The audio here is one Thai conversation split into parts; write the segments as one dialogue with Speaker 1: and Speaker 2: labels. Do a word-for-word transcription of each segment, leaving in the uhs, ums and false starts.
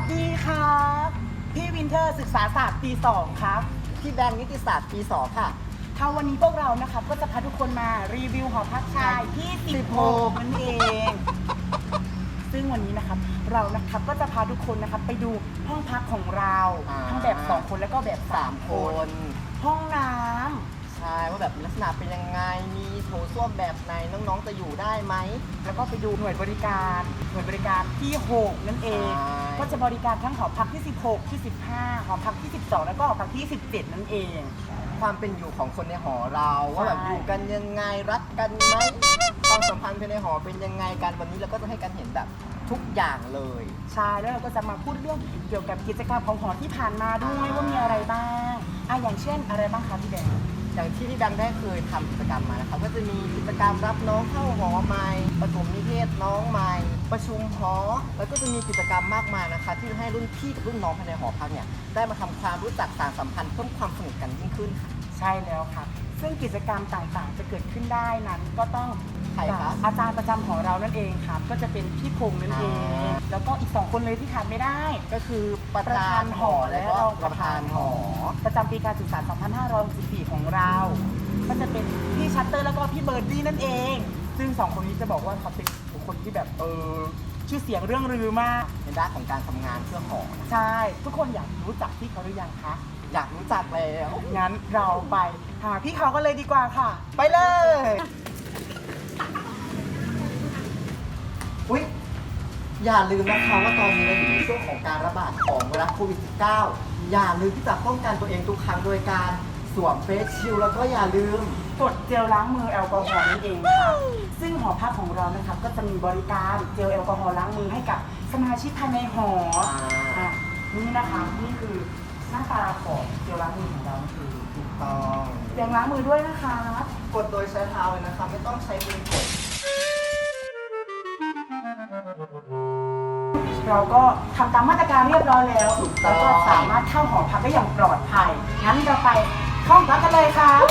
Speaker 1: สดีครับพี่วินเทอร์ศึกษาศาสตร์ปีสองครับ
Speaker 2: พี่แบงค์นิติศาสตร์ปีสองค่ะ
Speaker 1: ค่ะวันนี้พวกเรานะครับก็จะพาทุกคนมารีวิวหอพักชายที่สิบหกนั่นเองซึ่งวันนี้นะครับเรานะครับก็จะพาทุกคนนะครับไปดูห้องพักของเราทั้งแบบสองคนแล้วก็แบบสามคนห้องน้ำ
Speaker 2: ใช่ว่าแบบลักษณะเป็นยังไงมีโถส้วมแบบไหนน้องๆจะอยู่ได้ไหม
Speaker 1: แล้วก็ไปดูหน่วยบริการหน่วยบริการที่หกนั่นเองก็จะบริการทั้งหอพักที่สิบหกที่สิบห้าหอพักที่สิบสองแล้วก็หอพักที่สิบเจ็ดนั่นเอง
Speaker 2: ความเป็นอยู่ของคนในหอเราว่าแบบอยู่กันยังไงรักกันไหมความสัมพันธ์ภายในหอเป็นยังไงกันวันนี้เราก็จะให้กันเห็นแบบทุกอย่างเลย
Speaker 1: ใช่แล้วเราก็จะมาพูดเรื่องเกี่ยวกับกิจกรรมของหอที่ผ่านมาด้วยว่ามีอะไรบ้างอ่ะอย่างเช่นอะไรบ้างคะพี่แบงค์
Speaker 2: อย่างที่พี่แบงค์ได้เคยทำกิจกรรมมานะครับก็จะมีกิจกรรมรับน้องเข้าหอใหม่ประถมนิเทศน้องใหม่ประชุมหอแล้วก็จะมีกิจกรรมมากมายนะคะที่ให้รุ่นพี่กับรุ่นน้องภายในหอพักเนี่ยได้มาทำความรู้จักสานสัมพันธ์เพิ่มความสนิทกันยิ่งขึ้นค่ะ
Speaker 1: ใช่แล้วครับซึ่งกิจกรรมต่างๆจะเกิดขึ้นได้นั้นก็ต้อง
Speaker 2: ใครคะ
Speaker 1: อาจารย์ประจำของเรานั่นเองครับก็จะเป็นพี่พงษ์นั่นเองแล้วก็อีกสองคนเลยที่ขาดไม่ได้
Speaker 2: ก็คือประธานหอและรองประธานหอ
Speaker 1: ประจำปีการศึกษา สองพันห้าร้อยหกสิบสี่ ของเราก็จะเป็นพี่ชัตเตอร์แล้วก็พี่เบิร์ดดี้นั่นเองซึ่งสองคนนี้จะบอกว่าเขาเป็นบุคคลที่แบบเออชื่อเสียงเรื่องลือมาก
Speaker 2: ในด้านของการทำงานเพื่อหอ
Speaker 1: ใช่ทุกคนอยากรู้จักพี่เขาหรือยังคะ
Speaker 2: อยากรู้จักแล้ว
Speaker 1: งั้นเราไปหาพี่เขากันเลยดีกว่าค่ะไปเลย
Speaker 2: อุ๊ยอย่าลืมนะคะว่าตอนนี้เราอยู่ในช่วงของการระบาดของไวรัสโควิด สิบเก้า อย่าลืมที่จะป้องกันตัวเองทุกครั้งโดยการสวมเฟสชิลด์แล้วก็อย่าลืม
Speaker 1: กดเจลล้างมือแอลกอฮอล์นั่นเองค่ะซึ่งหอพักของเรานะครับก็จะมีบริการเจลแอลกอฮอล์ล้างมือให้กับสมาชิกภายในหออ่านี่นะคะนี่คือหน้าตาของเจลล้างมือของเราคือ
Speaker 2: ถูกต้อง
Speaker 1: เจลล้างมือด้วยนะคะ
Speaker 2: กดโดยใช้เท้าเลยนะคะไม่ต้องใช้มือกด
Speaker 1: เราก็ทำตามมาตรการเรียบร้อยแล้วแล้วก็สามารถเข้าหอพักได้อย่างปลอดภัยงั้นเราไปเข้าพักกันเลยครับ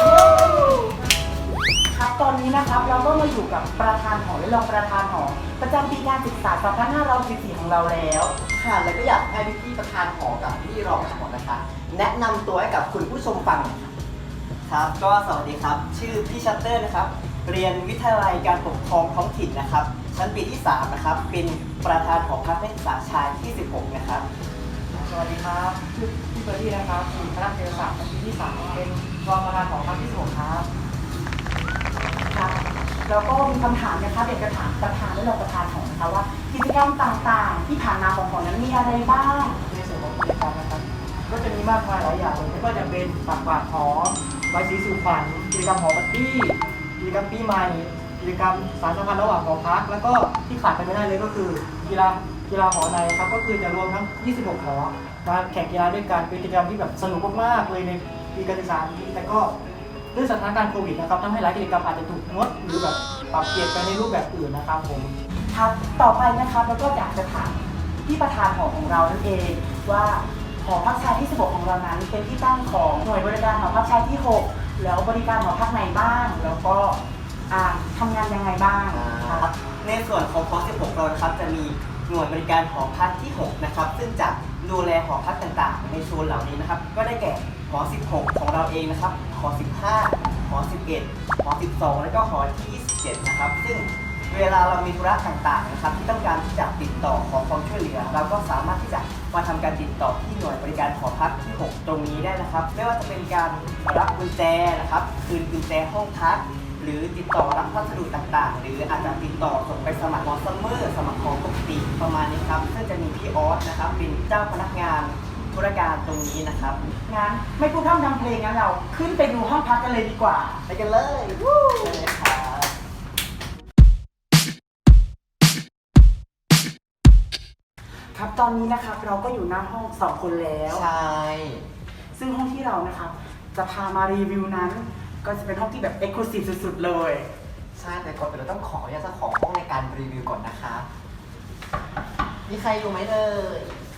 Speaker 1: ครับตอนนี้นะครับเราก็มาอยู่กับประธานหอและรองประธานหอประจำปีการศึกษา สองพันห้าร้อยหกสิบสี่ ของเราแล้ว
Speaker 2: ค่ะแล้วก็อยากให้พี่ประธานหอกับพี่รองหอนะคะแนะนำตัวให้กับคุณผู้ชมฟัง
Speaker 3: ครับก็สวัสดีครับชื่อพี่ชัตเตอร์นะครับเรียนวิทยาลัยการปกครองท้องถิ่นนะครับชั้นปีที่สามนะครับเป็นประธานหอพักนักศึกษาชายที่สิบหกนะครับ
Speaker 1: สวัสดีครับชื่อพี่เบอร์ดี้นะครับอยู่คณะเศรษฐศาสตร์ปีที่สามเป็นรองประธานหอพักที่สิบหกครับครับแล้วก็มีคำถามนะครับเด็กกระถามประธานและรองประธานหอนะคะว่ากิจกรรมต่างๆที่ผ่านมาของหอนั้นมีอะไรบ้าง
Speaker 4: ในส่วนของกิจกรรมนะครับก็จะมีมากมายหลายอย่างเลยไม่ว่าจะเป็นปักกวาดหอใบสีสู่ขวัญกิจกรรมหอบัดดี้กิจกรรมปีใหม่กิจกรรมสารสัมพันธ์ระหว่างหอพักแล้วก็ที่ขาดไปไม่ได้เลยก็คือกีฬากีฬาหอในครับก็คือจะรวมทั้งยี่สิบหกหอมาแข่งกีฬาด้วยกันเป็นกิจกรรมที่แบบสนุกมากๆเลยในปีการศึกษานี้แต่ก็ด้วยสถานการณ์โควิดนะครับทำให้หลายกิจกรรมอาจจะถูกงดหรือแบบปรับเปลี่ยนไปในรูปแบบอื่นนะครับผม
Speaker 1: ครับต่อไปนะครับเราก็อยากจะถามที่ประธานหอของเรานั่นเองว่าหอพักชายที่สิบหกของเรานั้นเป็นที่ตั้งของหน่วยบริการหอพักชายที่หกแล้วบริการหอพักไหนบ้างแล้วก็ทำงานยังไงบ้าง
Speaker 3: ครับในส่วนของหอสิบหกเรานะครับจะมีหน่วยบริการหอพักที่หกนะครับซึ่งจะดูแลหอพักต่างๆในโซนเหล่านี้นะครับก็ได้แก่หอสิบหกของเราเองนะครับหอสิบห้าหอสิบเอ็ดหอสิบสองและก็หอที่ยี่สิบเจ็ดนะครับซึ่งเวลาเรามีธุระต่างๆนะครับที่ต้องการที่จะติดต่อขอความช่วยเหลือเราก็สามารถที่จะมาทำการติดต่อที่หน่วยบริการหอพักที่หกตรงนี้ได้นะครับไม่ว่าจะเป็นการรับกุญแจนะครับคืนกุญแจห้องพักหรือติดต่อรับพัสดุต่างๆหรืออาจจะติดต่อส่งไปสมัครหอซัมเมอร์สมัครของปกติประมาณนี้ครับซึ่งจะมีพี่ออสนะครับเป็นเจ้าพนักงานธุรการตรงนี้นะครับ
Speaker 1: งั้นไม่พูดพร่ำทำเพลงงั้นเราขึ้นไปดูห้องพักกันเลยดีกว่า
Speaker 2: ไปกันเลยไปเลยครับ
Speaker 1: ครับตอนนี้นะครับเราก็อยู่หน้าห้องสองคนแล้ว
Speaker 2: ใช่
Speaker 1: ซึ่งห้องที่เรานะครับจะพามารีวิวนั้นก็จะเป็นห้องที่แบบเอ็กซ์คลูซีฟสุดๆเลย
Speaker 2: ใช่แต่ก่อนอื่นเราต้องขออนุญาตเจ้าของห้องในการรีวิวก่อนนะคะมีใครอยู่ไหมเลย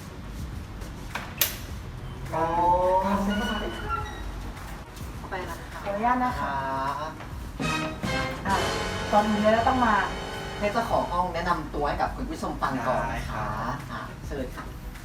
Speaker 2: โอ้ครับเซ็นเข้ามาเลยเข้าไปนะคะ
Speaker 1: ขออนุญาตนะคะอ่ะตอนนี้เราต้องมา
Speaker 2: ให้เจ้าของห้องแนะนำตัวให้กับคุณผู้ชมฟังก่อนนะคะเชิญค่ะ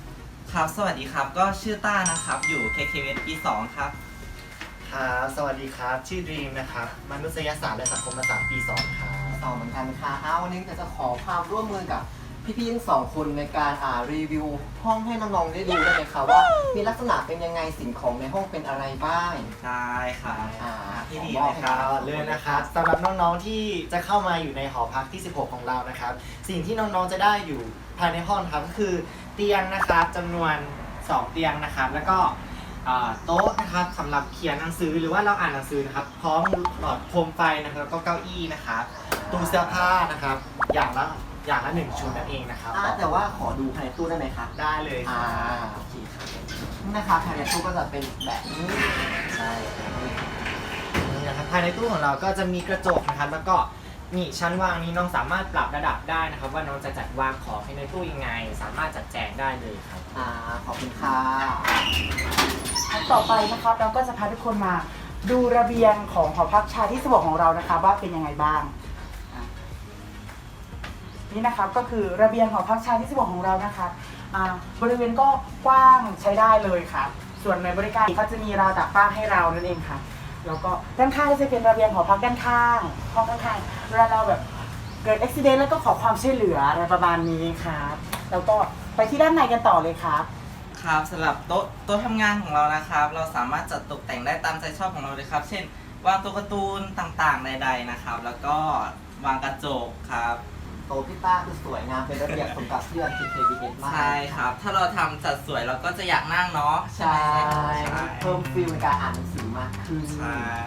Speaker 5: ครับ สวัสดีครับ ก็ชื่อต้านะครับ อยู่ เค เค เอส ปีสองครับ
Speaker 6: ครับสวัสดีครับ ชื่อดรีมนะครับ มนุษยศาสตร์และสังคมศาสตร์ปีสองครับ
Speaker 2: สองเหมือนกันค่ะอ้าววันนี้จะขอความร่วมมือกับพี่ๆทั้งสองคนในการอ่ารีวิวห้องให้น้องๆได้ดูได้ไหมคะว่ามีลักษณะเป็นยังไงสิ่งของในห้องเป็นอะไรบ้าง
Speaker 5: ได้ครับ
Speaker 2: อ่า
Speaker 5: พี่ดี
Speaker 2: ขอ
Speaker 5: เลย
Speaker 2: บ
Speaker 5: ค
Speaker 2: ให้
Speaker 5: รับ
Speaker 6: ก่อนเลยนะครับสำหรับน้องๆที่จะเข้ามาอยู่ในหอพักที่ สิบหก ของเรานะครับ สิ่งที่น้องๆจะได้อยู่ภายในห้องนะครับก็คือเตียงนะครับจำนวนสองเตียงนะครับ แล้วก็อ่าโต๊ะนะครับสำหรับเขียนหนังสือหรือว่าเราอ่านหนังสือนะครับ พร้อมหลอดโคมไฟนะครับแล้วก็เก้าอี้นะครับตู้เสื้อผ้านะครับ อย่างละอย่างละหนึ่งชุดนั่นเองนะครับ
Speaker 2: อ่าแต่ว่าขอดูภายในตู้ได้ไหมคะ
Speaker 6: ได้เลยค
Speaker 2: อ่า
Speaker 6: รับ
Speaker 2: โอเคครับนี่นะคะภายในตู้ก็จะเป็นแบบนี้
Speaker 6: ใช่ครับนี่นะครับภายในตู้ของเราก็จะมีกระจกนะครับแล้วก็นี่ชั้นวางนี้น้องสามารถปรับระดับได้นะครับ ว่าน้องจะจัดวางของให้ในตู้ยังไง สามารถจัดแจงได้เลยครับ
Speaker 2: อ่าขอบคุณค่ะ
Speaker 1: ต่อไปนะครับเราก็จะพาทุกคนมาดูระเบียงของหอพักชายที่สิบหกของเรานะคะว่าเป็นยังไงบ้างอ่ะนี่นะครับก็คือระเบียงหอพักชายที่สิบหกของเรานะคะอ่าบริเวณก็กว้างใช้ได้เลยครับ ส่วนในบริการเขาจะมีราวตากผ้าให้เรานั่นเองค่ะแล้วก็ด้านข้างก็จะเป็นระเบียงหอพักด้านข้างห้องข้างๆเวลาเราแบบเกิดอุบิเหตุแล้วก็ขอความช่วยเหลืออะไรประมาณนี้ครับแล้วก็ไปที่ด้านในกันต่อเลยครับ
Speaker 5: ครับสำหรับโต๊ะโต๊ะทำงานของเรานะครับ เราสามารถจัดตกแต่งได้ตามใจชอบของเราเลยครับ เช่น วางตัวการ์ตูนต่างๆใดๆนะครับ แล้วก็วางกระจกครับ
Speaker 2: โต๊ะพี่ต้าคือสวยงามเป็นระเบียบสมกับเพื่อน เค เค บี เอส มาก
Speaker 5: ใช่ครับ ถ้าเราทำจัดสวยเราก็จะอยากนั่งเนาะใช่
Speaker 2: ใช่
Speaker 5: ไหมใช่
Speaker 2: เพิ่มฟิลในการอ่านหนังสือมากขึ้น
Speaker 5: ใช่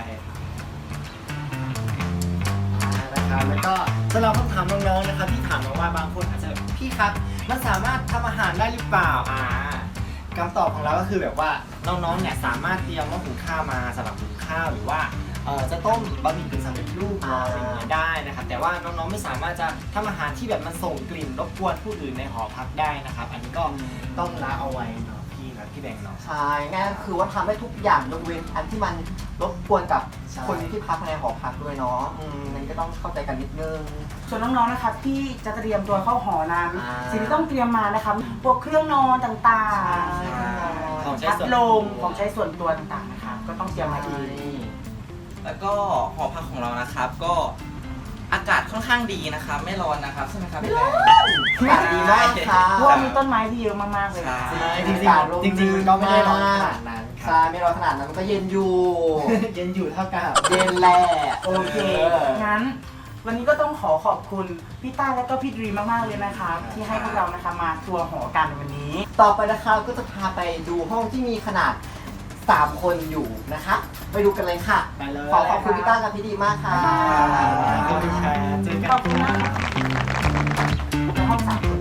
Speaker 6: นะครับแล้วก็สำหรับคำถามน้องๆนะครับที่ถามมาว่าบางคนอาจจะพี่ครับมันสามารถทำอาหารได้หรือเปล่าอ่าคำตอบของเราก็คือแบบว่าน้องๆเนี่ยสามารถเตรียมหม้อหุงข้าวมาสำหรับหุงข้าวหรือว่าเอ่อจะต้มบะหมี่กึ่งสำเร็จรูปมาอะไรอย่างเงี้ยได้นะครับแต่ว่าน้องๆไม่สามารถจะทำอาหารที่แบบมันส่งกลิ่นรบกวนผู้อื่นในหอพักได้นะครับ อันนี้ก็ต้องละเอาไว้เนาะพี่นะพี่แบงค์เนาะ
Speaker 2: ใช่ง่ายก็คือว่าทำได้ทุกอย่างยกเว้นอันที่มันรบกวนกับ
Speaker 6: ใช่
Speaker 2: คนที่พักในหอพักด้วยเนาะอืมนั่นก็ต้องเข้าใจกันนิดนึง
Speaker 1: ส่วนน้องๆ นะครับที่จะเตรียมตัวเข้าหอนั้น
Speaker 2: อ่า
Speaker 1: สิ่งที่ต้องเตรียมมานะครับพวกเครื่องนอนต่าง
Speaker 2: ใช่
Speaker 6: ของใช้
Speaker 1: ๆพัด
Speaker 6: ส่วน
Speaker 1: ล
Speaker 6: ตัว
Speaker 1: มของใช้ส่วนตัวต่างๆนะครับก็ต้องเตรียมมาเอง
Speaker 5: แล้วก็หอพักของเรานะครับ ก็อากาศค่อนข้างดีนะครับ ไม่ร้อนนะครับใช่ไหมครับพี่แบงค์
Speaker 2: อากาศดีมากค่ะ
Speaker 1: เพราะว่ามีต้นไม้ที่เยอะมากๆเลย
Speaker 5: ใช่
Speaker 1: ค่ะ
Speaker 6: จริงๆจริงๆมันก็ไม่ได้ร้อนขนาดนั้นค
Speaker 2: ใช่
Speaker 6: รับ
Speaker 2: ไม่ร้อนขนาดนั้นมันก็เย็นอยู่
Speaker 6: เย็นอยู่เท่ากับ
Speaker 2: เย็นแหละ
Speaker 1: โอเคงั้นวันนี้ก็ต้องขอขอบคุณพี่ต้าและก็พี่ดรีมมากๆเลยนะครับที่ให้พวกเรานะคะมาทัวร์หอกันในวันนี้
Speaker 2: ต่อไปนะคะก็จะพาไปดูห้องที่มีขนาดสามคนอยู่นะคะ ไปดูกันเลยค่ะ
Speaker 6: ไปเลย
Speaker 2: ขอขอบคุณพี่ต้ากับพี่ดีมากค่ะ
Speaker 6: ขอบคุณครับเจอกัน
Speaker 1: ขอบคุณมากครับในห้องสามคน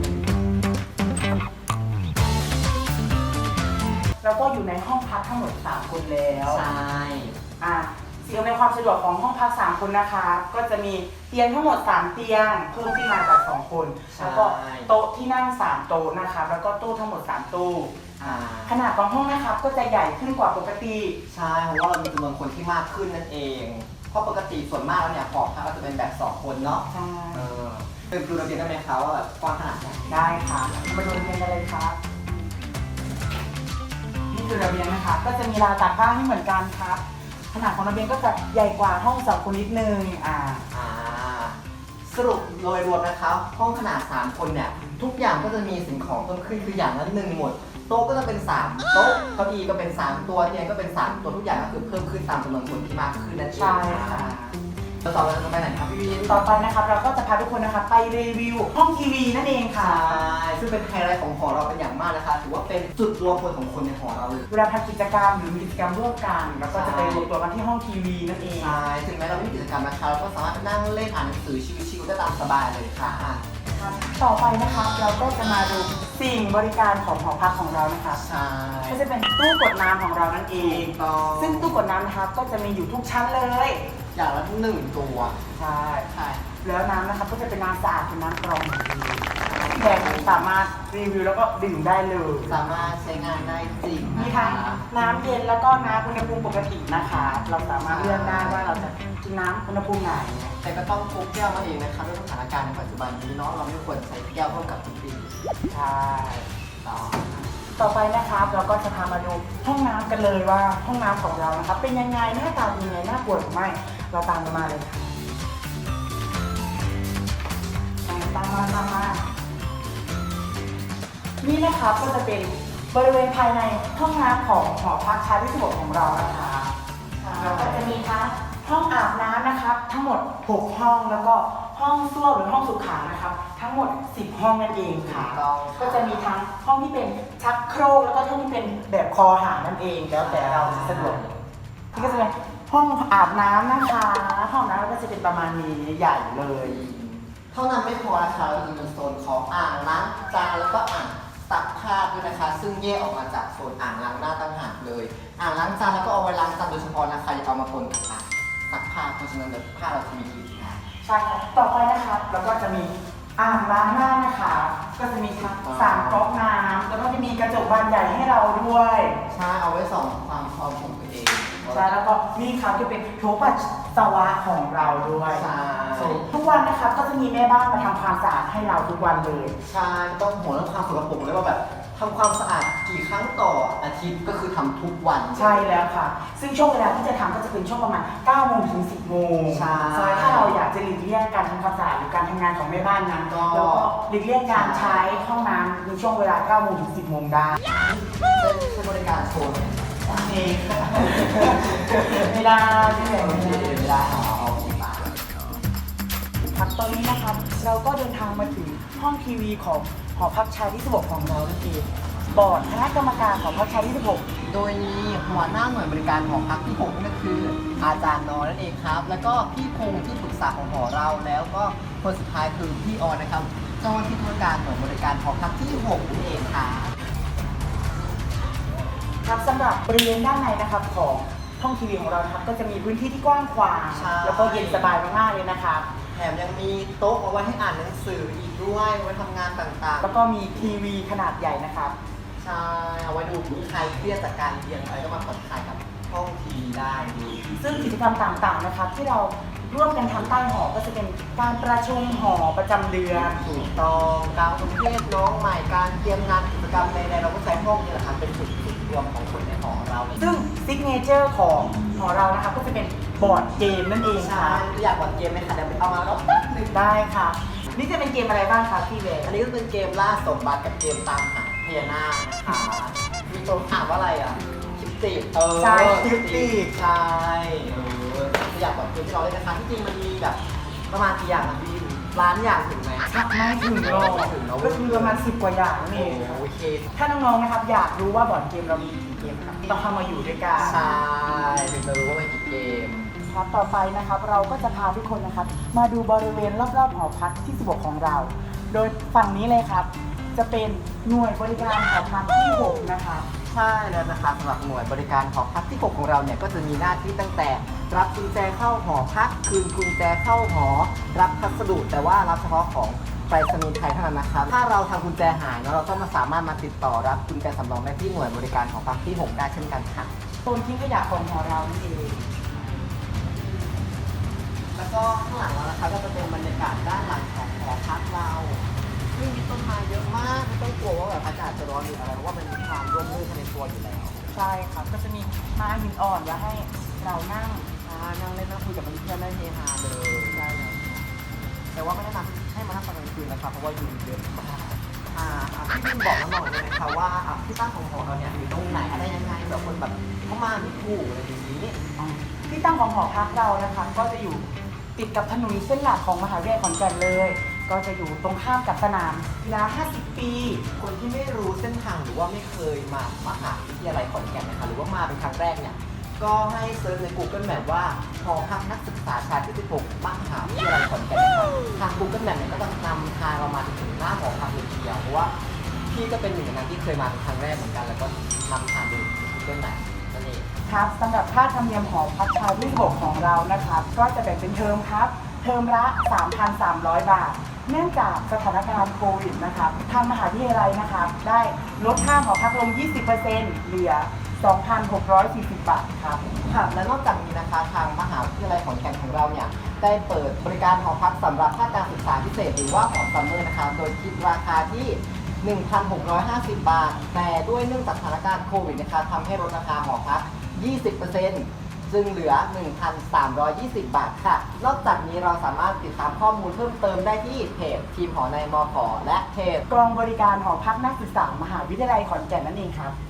Speaker 1: แล้วก็อยู่ในห้องพักทั้งหมดสามคนแล้ว
Speaker 2: ใช่
Speaker 1: อ่ะสิ่งอำนวยความสะดวกของห้องพักสามคนนะคะก็จะมีเตียงทั้งหมดสามเตียงเพิ่มขึ้นมาจากสองคน แล้วก็โต๊ะที่นั่งสามโต๊ะนะคะแล้วก็ตู้ทั้งหมดสามตู้
Speaker 2: อ่า
Speaker 1: ขนาดของห้องนะครับก็จะใหญ่ขึ้นกว่าปกติ
Speaker 2: ใช่เพราะว่าเรามีจำนวนคนที่มากขึ้นนั่นเอง เพราะปกติส่วนมากแล้วเนี่ยหอพักก็จะเป็นแบบสองคนเนาะ
Speaker 1: ใช่
Speaker 2: เออเป็นดูระเบียงได้ไหมคะว่าแบบกว้างขนาดไหน
Speaker 1: ได้ค่ะมาดูระเบียงกันเลยครับนี่คือระเบียงนะคะก็จะมีราวตากผ้าให้เหมือนกันครับ ขนาดของระเบียงก็จะใหญ่กว่าห้องสองคนนิดนึงอ่า
Speaker 2: อ่าสรุปโดยรวมนะคะห้องขนาดสามคนเนี่ยทุกอย่างก็จะมีสิ่งของเพิ่มขึ้นคืออย่างละหนึ่งหมดโต๊ะก็จะเป็นสามโต๊ะเก้าอี้ก็เป็นสามตัวเตียงก็เป็นสามตัวทุกอย่างก็คือเพิ่มขึ้นตามจำนวนคนที่มากขึ้นนั่นเอง
Speaker 1: ใช่ค่ะ
Speaker 2: แล้วต่อไปเราจะไปไหนครับพี่วิน
Speaker 1: ต่อไปนะครับเราก็จะพาทุกคนนะคะไปรีวิวห้องทีวีนั่นเองค่ะ
Speaker 2: ใช่ซึ่งเป็นไฮไลท์ของหอเราเป็นอย่างมากนะคะถือว่าเป็นจุดรวมพลของคนในหอเราเลย
Speaker 1: เวลาทำกิจกรรมหรือมีกิจกรรมร่วมกันแล้วก็จะไปรวมตัวกันที่ห้องทีวีนั่นเอง
Speaker 2: ใช่ถึงแม้เราไม่มีกิจกรรมนะคะเราก็สามารถไปนั่งเล่นอ่านหนังสือชิวๆได้ตามสบายเลยค่ะอ่ะ
Speaker 1: ต่อไปนะคะเราก็จะมาดูสิ่งบริการของหอพักของเรานะคะ
Speaker 2: ใช่
Speaker 1: ก็จะเป็นตู้กดน้ำของเรานั่นเอง
Speaker 2: ถูกต้อง
Speaker 1: ซึ่งตู้กดน้ำนะคะก็จะมีอยู่ทุกชั้นเลย
Speaker 2: อย่างละหนึ่งตัว
Speaker 1: ใช่
Speaker 2: ใช่
Speaker 1: แล้วน้ำนะคะก็จะเป็นน้ำสะอาดเป็นน้ำกรองแขกสามารถรีวิวแล้วก็ดื่มได้เลย
Speaker 2: สามารถใช้งานได้จริง
Speaker 1: มี
Speaker 2: นะ
Speaker 1: ทั้
Speaker 2: คะ
Speaker 1: งน้ำเย็นแล้วก็น้ำอุณหภูมิปกตินะคะ เราสามารถเลือกได้ว่าเราจะกินน้ำอุณหภูมิไหน
Speaker 2: แต่ก็ต้องพกแก้วมาเองนะคะด้วยสถานการณ์ในปัจจุบันนี้เนาะเราไม่ควรใช้แก้วร่วมกับทุกที
Speaker 1: ใช่
Speaker 2: ต่อ
Speaker 1: ต่อไปนะครับเราก็จะพามาดูห้องน้ำกันเลยว่าห้องน้ำของเรานะครับ เป็นยังไงหน้าตาเป็นยังไงน่ากลัวหรือไม่เราตามกันมาเลยค่ะตามมาตามมานี่นะครับก็จะเป็นบริเวณภายในห้องน้ำของหอพักชายที่สิบหกของเรานะคะเราก็จะมีทั้งห้องอาบน้ำนะครับ ทั้งหมดหกห้องแล้วก็ห้องส้วมหรือห้องสุขานะครับ ทั้งหมดสิบห้องนั่นเองค่ะ ก็จะมีทั้งห้องที่เป็นชักโครกแล้วก็ห้องที่เป็นแบบคอหานั่นเองแล้วแต่เราจะสะดวกนี่ก็จะเป็นห้องอาบน้ำนะคะห้องน้ำก็จะเป็นประมาณนี้ใหญ่เลย
Speaker 2: เท่านั้นไม่พอนะคะเราจะมีโซนของอ่างล้างจานแล้วก็อ่างซักผ้าด้วยนะคะ ซึ่งแยกออกมาจากโซนอ่างล้างหน้าต่างหากเลย อ่างล้างจานแล้วก็เอาไว้ล้างจานโดยเฉพาะนะคะอย่าเอามาปนกับอ่างซักผ้าเพราะฉะนั้นเดี๋ยวผ้าเราจะมีกลิ่นค่ะ
Speaker 1: ใช่ครับต่อไปนะครับแล้วก็จะมีอ่างล้างหน้านะคะก็จะมีทั้งสามก๊อกน้ำแล้วก็จะมีกระจกบานใหญ่ให้เราด้วย
Speaker 2: ใช่เอาไว้ส่องความพร้อมของตัวเอง
Speaker 1: ใช่แล้วก็มีครับจะเป็นโถปัสสาวะของเราด้วย
Speaker 2: ใช่
Speaker 1: ทุกวันนะครับก็จะมีแม่บ้านมาทำความสะอาดให้เราทุกวันเลย
Speaker 2: ใช่ต้องห่วงเรื่องความสกปรกเลยว่าแบบทำความสะอาดกี่ครั้งต่ออาทิตย์ก็คือทำทุกวัน
Speaker 1: ใช่แล้วค่ะ ซึ่งช่วงเวลาที่จะทำก็จะเป็นช่วงประมาณเก้าโมงถึงสิบโมง
Speaker 2: ใช่
Speaker 1: ถ้าเราอยากจะหลีกเลี่ยงการทำความสะอาดหรือการทำงานของแม่บ้านนั้น
Speaker 2: ก็
Speaker 1: แล้วก็หลีกเลี่ยงการใช้ห้องน้ำในช่วงเวลาเก้าโมงถึงสิบโมงได้
Speaker 2: ใช้บริการโซน
Speaker 1: โอเคค่ะไม่ได้ไม่ได้ไม่ได้
Speaker 2: เวลาเอาเอากี่บาท
Speaker 1: ครับตอนนี้นะครับเราก็เดินทางมาถึงห้องทีวีของหอพักชายที่สิบหกของเรานั่นเองบอร์ดคณะกรรมการของพักชายที่สิบหก
Speaker 2: โดยมีหัวหน้าหน่วยบริการหอพักที่หกนั่นก็คือ อาจารย์นอนั่นเองครับ แล้วก็พี่พงษ์ที่ปรึกษาของหอเราแล้วก็คนสุดท้ายคือพี่ออนนะครับเจ้าหน้าที่ธุรการหน่วยบริการหอพักที่หกนั่นเองค่ะ
Speaker 1: ครับสำหรับบริเวณด้านในนะครับของห้องทีวีของเรานะครับก็จะมีพื้นที่ที่กว้างขวาง
Speaker 2: ใช่
Speaker 1: แล้วก็เย็นสบายมากๆเลยนะครับ
Speaker 2: แถมยังมีโต๊ะเอาไว้ให้อ่านหนังสืออีกด้วยไว้ทำงานต่างๆ
Speaker 1: แล้วก็มีทีวีขนาดใหญ่นะครับ
Speaker 2: ใช่เอาไว้ดูใครเครียดจากการเรียนอะไรก็มาผ่อนคลายกับห้องทีวีได้ดู
Speaker 1: ซึ่งกิจกรรมต่างๆนะครับ ที่เราร่วมกันทำใต้หอก็จะเป็นการประชุมหอประจำเดือน
Speaker 2: ถูกต้องการประเทศน้องใหม่การเตรียมงานกิจกรรมใดๆเราก็ใช้ห้องนี่แหละครับเป็นจุดจุดรวมของคนในหอเราเลย
Speaker 1: ซึ่งซิกเนเจอร์ของหอเรานะครับก็จะเป็นบอร์ดเกมนั่นเอง
Speaker 2: ใช่
Speaker 1: ค่ะ
Speaker 2: อยากบอลเกมไหมคะเดี๋ยวไปเอามาแล้วแป๊บหนึง
Speaker 1: ได้ค่ะ นี่จะเป็นเกมอะไรบ้างคะพี่เวย์
Speaker 2: อันนี้ก็เป็นเกมล่าสมบัติกับเกมตามหาพญานาคนะคะมีตัวถามว่าอะไรอ่ะคิปติเออ
Speaker 1: ใช่คิปติก
Speaker 2: ใช่เอออยากบอลเกมที่เราเล่นนะคะที่จริงมันมีแบบประมาณกี่อย่างนะพี่ล้านอย่างถึงไหม
Speaker 1: ไม่ถึงหรอก
Speaker 2: ไม่ถึงเนอะ
Speaker 1: ก็คือประมาณสิบกว่าอย่างนั่นเองครับ
Speaker 2: โอเค
Speaker 1: ถ้าน้องๆนะครับอยากรู้ว่าบอร์ดเกมเรามีกี่เกมครับต้องเข้ามาอยู่ด้วยกัน
Speaker 2: ใช่ถึงจะรู้ว่ามันกี่เกม
Speaker 1: ครับต่อไปนะครับเราก็จะพาทุกคนนะครับ มาดูบริเวณรอบๆหอพักที่สิบหกของเรา โดยฝั่งนี้เลยครับ จะเป็นหน่วยบริการหอพักที่หกนะครับ
Speaker 2: ใช่แล้วนะคะสำหรับหน่วยบริการหอพักที่หกของเราเนี่ยก็จะมีหน้าที่ตั้งแต่รับกุญแจเข้าหอพักคืนกุญแจเข้าหอ รับพัสดุแต่ว่ารับเฉพาะของไปรษณีย์ไทยเท่านั้นนะครับถ้าเราทำกุญแจหายเนอะเราก็มาสามารถมาติดต่อรับกุญแจสำรองได้ที่หน่วยบริการหอพักที่หกได้เช่นกันค่ะ
Speaker 1: โซนทิ้งขยะของหอเรานั่นเอง
Speaker 2: แล้วก็ข้างหลังเรานะคะก็จะเป็นบรรยากาศด้านหลังของหอพักเราซึ่งมีต้นไม้เยอะมากไม่ต้องกลัวว่าแบบอากาศจะร้อนหรืออะไรเพราะว่ามันมีความร่มรื่นภายในตัวอยู่แล้ว
Speaker 1: ใช่ครับก็จะมีม้าหินอ่อนไว้ให้เรานั่ง
Speaker 2: อ่านั่งเล่นนั่งคุยกับเพื่อนๆได้เฮฮาเลยได้แล้วแต่ว่าไม่แนะนำให้มานั่งตอนกลางคืนนะครับเพราะว่ายุงเยอะมากอ่าอ่าพี่บินบอกน้องๆเลยนะคะว่าอ่าที่ตั้งของหอเราเนี่ยอยู่ตรงไหนอะไรยังไงแบบคนแบบเข้ามาไม่ถูกอะไรอย่างนี้
Speaker 1: ที่ตั้งของหอพักเรานะคะก็จะอยู่ติดกับถนนเส้นหลักของมหาวิทยาลัยขอนแก่นเลย ก็จะอยู่ตรงข้ามกับสนามกีฬาห้าสิบ ปี
Speaker 2: คนที่ไม่รู้เส้นทางหรือว่าไม่เคยมามหาวิทยาลัยขอนแก่นนะคะหรือว่ามาเป็นครั้งแรกเนี่ยก็ให้เซิร์ชใน Google Map ว่าหอพักนักศึกษาชายที่สิบหกมหาวิทยาลัยขอนแก่นนะคะทาง Google Map เนี่ยก็จะนำทางเรามาถึงหน้าหอพักเลยทีเดียวเพราะว่าพี่ก็เป็นหนึ่งในนั้นที่เคยมาเป็นครั้งแรกเหมือนกันแล้วก็นำทางดู Google Map นั่นเอง
Speaker 1: ครับสำหรับค่าธรรมเนียมหอพักชายที่สิบหกของเรานะครับก็จะแบ่งเป็นเทอมครับเทอมละ สามพันสามร้อย บาท เนื่องจากสถานการณ์โควิดนะครับทางมหาวิทยาลัยนะครับได้ลดค่าหอพักลง ยี่สิบเปอร์เซ็นต์ เหลือ สองพันหกร้อยสี่สิบ บาทครับ
Speaker 2: ค่ะและนอกจากนี้นะคะทางมหาวิทยาลัยขอนแก่นของเราเนี่ยได้เปิดบริการหอพักสำหรับภาคการศึกษาพิเศษหรือว่าหอซัมเมอร์นะคะโดยคิดราคาที่หนึ่งพันหกร้อยห้าสิบ บาท แต่ด้วยเนื่องจากสถานการณ์โควิดนะคะทำให้ลดราคาหอพัก ยี่สิบเปอร์เซ็นต์ จึงเหลือ หนึ่งพันสามร้อยยี่สิบ บาทค่ะ นอกจากนี้เราสามารถติดตามข้อมูลเพิ่มเติมได้ที่เพจทีมหอในมขและเพจ
Speaker 1: กองบริการหอพักนักศึกษามหาวิทยาลัยขอนแก่นนั่นเองครับ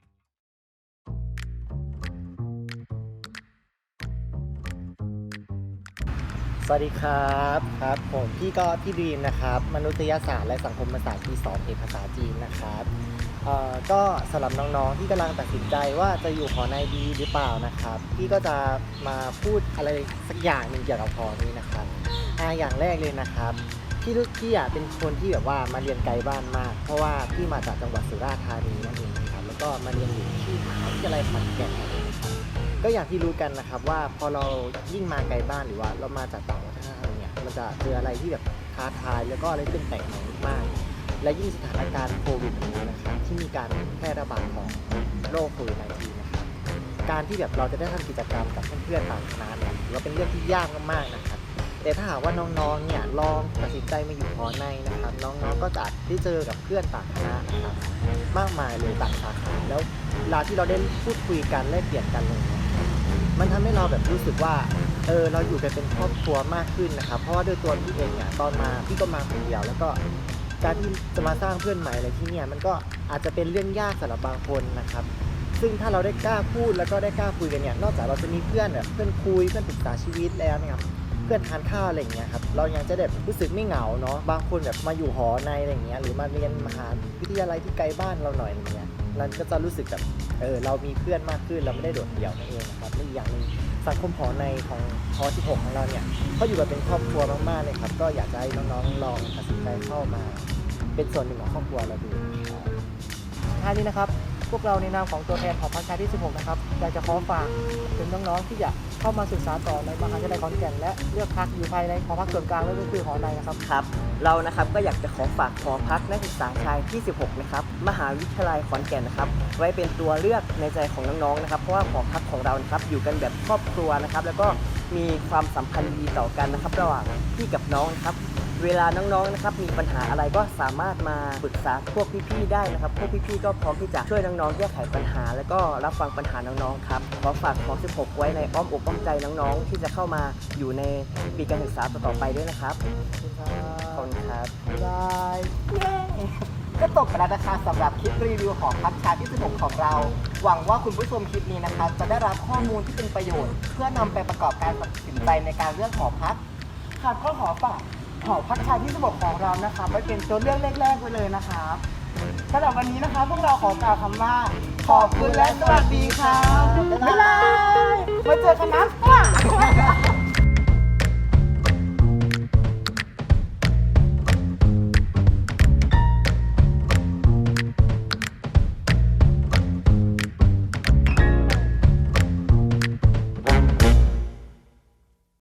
Speaker 6: สวัสดีครับครับผมพี่ก็พี่ดีมนะครับมนุษยศาสตร์และสังคมศาสตร์ปีสองเอกภาษาจีนนะครับเอ่อก็สำหรับน้องๆที่กำลังตัดสินใจว่าจะอยู่หอในดีหรือเปล่านะครับพี่ก็จะมาพูดอะไรสักอย่างหนึ่งเกี่ยวกับหอนี้นะครับอ่าอย่างแรกเลยนะครับพี่ทุกพี่อ่ะเป็นคนที่แบบว่ามาเรียนไกลบ้านมากเพราะว่าพี่มาจากจังหวัดสุราษฎร์ธานีนั่นเองนะครับแล้วก็มาเรียนอยู่ที่มหาวิทยาลัยขอนแก่นนั่นเองครับก็อย่างที่รู้กันนะครับว่าพอเรายิ่งมาไกลบ้านหรือว่าเรามาจากต่างวัฒนธรรมเนี่ยมันจะเจออะไรที่แบบท้าทายแล้วก็อะไรที่เป็นแปลกใหม่มากๆและยิ่งสถานการณ์โควิดแบบนี้นะครับที่มีการแพร่ระบาดของโรคโควิด สิบเก้า นะครับการที่แบบเราจะได้ทำกิจกรรมกับเพื่อนๆต่างคณะเนี่ยถือว่าเป็นเรื่องที่ยากมากๆนะครับแต่ถ้าหากว่าน้องๆเนี่ยลองตัดสินใจมาอยู่หอในนะครับน้องๆก็จะได้เจอกับเพื่อนต่างคณะนะครับมากมายเลยต่างสาขาแล้วเวลาที่เราได้พูดคุยกันแลกเปลี่ยนกันเลยเนี่ยมันทำให้เราแบบรู้สึกว่าเออเราอยู่กันเป็นครอบครัวมากขึ้นนะครับเพราะว่าด้วยตัวพี่เองเนี่ยตอนมาพี่ก็มาคนเดียวแล้วก็การที่จะมาสร้างเพื่อนใหม่อะไรที่เนี่ยมันก็อาจจะเป็นเรื่องยากสำหรับบางคนนะครับซึ่งถ้าเราได้กล้าพูดแล้วก็ได้กล้าคุยกันเนี่ยนอกจากเราจะมีเพื่อนแบบเพื่อนคุยเพื่อนปรึกษาชีวิตแล้วนะครับเพื่อนทานข้าวอะไรอย่างเงี้ยครับเรายังจะแบบรู้สึกไม่เหงาเนาะบางคนแบบมาอยู่หอในอะไรอย่างเงี้ยหรือมาเรียนมหาวิทยาลัยที่ไกลบ้านเราหน่อยอย่างเงี้ยเราก็จะรู้สึกแบบเออเรามีเพื่อนมากขึ้นเราไม่ได้โดดเดี่ยวนั่นเองนะครับและอีกอย่างหนึ่งสังคมหอในของหอสิบหกของเราเนี่ยเขาอยู่แบบเป็นครอบครัวมากๆเลยครับก็อยากจะให้น้องๆลองตัดสินใจเข้ามาเป็นส่วนหนึ่งของครอบครัวเราดูนะครับ
Speaker 4: ท้ายนี้นะครับพวกเราในนามของตัวแทนหอพักชายที่สิบหกนะครับอยากจะขอฝากถึงน้องๆที่อยากเข้ามาศึกษาต่อในมหาวิทยาลัยขอนแก่นและเลือกพักอยู่ภายในหอพักส่วนกลางและก็คือหอในนะครับ
Speaker 3: ครับเรานะครับก็อยากจะขอฝากหอพักนักศึกษาชายที่สิบหกนะครับมหาวิทยาลัยขอนแก่นนะครับไว้เป็นตัวเลือกในใจของน้องๆนะครับเพราะว่าหอพักของเรานะครับอยู่กันแบบครอบครัวนะครับแล้วก็มีความสัมพันธ์ดีต่อกันนะครับระหว่างพี่กับน้องนะครับเวลาน้องๆนะครับมีปัญหาอะไรก็สามารถมาปรึกษาพวกพี่ๆได้นะครับพวกพี่ๆก็พร้อมที่จะช่วยน้องๆแก้ไขปัญหาแล้วก็รับฟังปัญหาน้องๆครับขอฝากหอสิบหกไว้ในอ้อมอกอ้อมใจน้องๆที่จะเข้ามาอยู่ในปีการศึกษาต่อๆไปด้วยนะครับขอบคุณครับ
Speaker 2: บายก็จบไปแล้วนะคะสำหรับคลิปรีวิวของพักชายที่สิบหกของเรา หวังว่าคุณผู้ชมคลิปนี้นะคะจะได้รับข้อมูลที่เป็นประโยชน์ เพื่อนำไปประกอบการตัดสินใจในการเลือกหอพัก
Speaker 1: ค่ะก็ขอฝากหอพักชายที่สิบหกของเรานะคะไว้เป็นตัวเลือกแรกๆไว้เลยนะครับสำหรับวันนี้นะคะพวกเราขอกล่าวคำว่าขอบคุณและสวัสดีครับบ๊ายบายไว้เจอกันนะ